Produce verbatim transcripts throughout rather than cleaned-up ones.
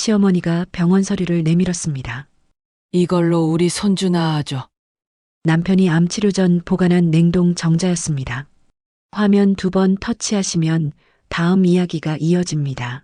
시어머니가 병원 서류를 내밀었습니다. 이걸로 우리 손주 낳아줘. 남편이 암 치료 전 보관한 냉동 정자였습니다. 화면 두 번 터치하시면 다음 이야기가 이어집니다.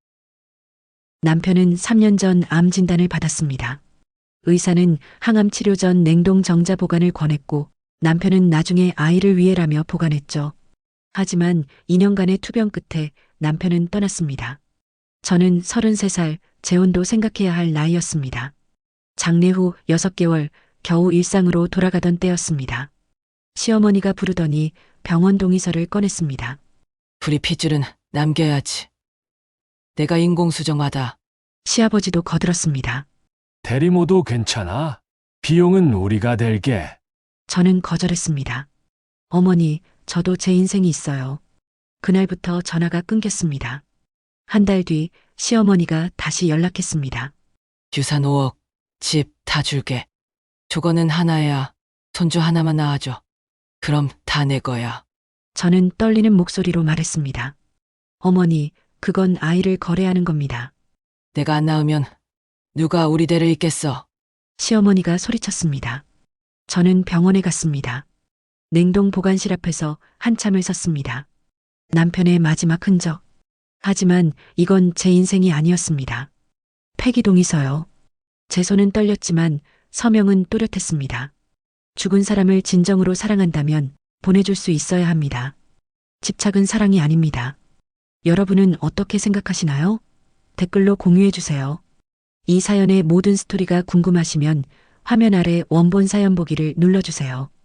남편은 삼 년 전 암 진단을 받았습니다. 의사는 항암 치료 전 냉동 정자 보관을 권했고 남편은 나중에 아이를 위해라며 보관했죠. 하지만 이 년간의 투병 끝에 남편은 떠났습니다. 저는 서른세 살, 재혼도 생각해야 할 나이였습니다. 장례 후 여섯 개월 겨우 일상으로 돌아가던 때였습니다. 시어머니가 부르더니 병원 동의서를 꺼냈습니다. 우리 핏줄은 남겨야지. 내가 인공수정하다. 시아버지도 거들었습니다. 대리모도 괜찮아. 비용은 우리가 댈게. 저는 거절했습니다. 어머니, 저도 제 인생이 있어요. 그날부터 전화가 끊겼습니다. 한 달 뒤 시어머니가 다시 연락했습니다. 유산 오억, 집 다 줄게. 조건은 하나야. 손주 하나만 낳아줘. 그럼 다 내 거야. 저는 떨리는 목소리로 말했습니다. 어머니, 그건 아이를 거래하는 겁니다. 내가 안 낳으면 누가 우리 대를 잇겠어. 시어머니가 소리쳤습니다. 저는 병원에 갔습니다. 냉동 보관실 앞에서 한참을 섰습니다. 남편의 마지막 흔적. 하지만 이건 제 인생이 아니었습니다. 폐기 동의서요. 제 손은 떨렸지만 서명은 또렷했습니다. 죽은 사람을 진정으로 사랑한다면 보내줄 수 있어야 합니다. 집착은 사랑이 아닙니다. 여러분은 어떻게 생각하시나요? 댓글로 공유해주세요. 이 사연의 모든 스토리가 궁금하시면 화면 아래 원본 사연 보기를 눌러주세요.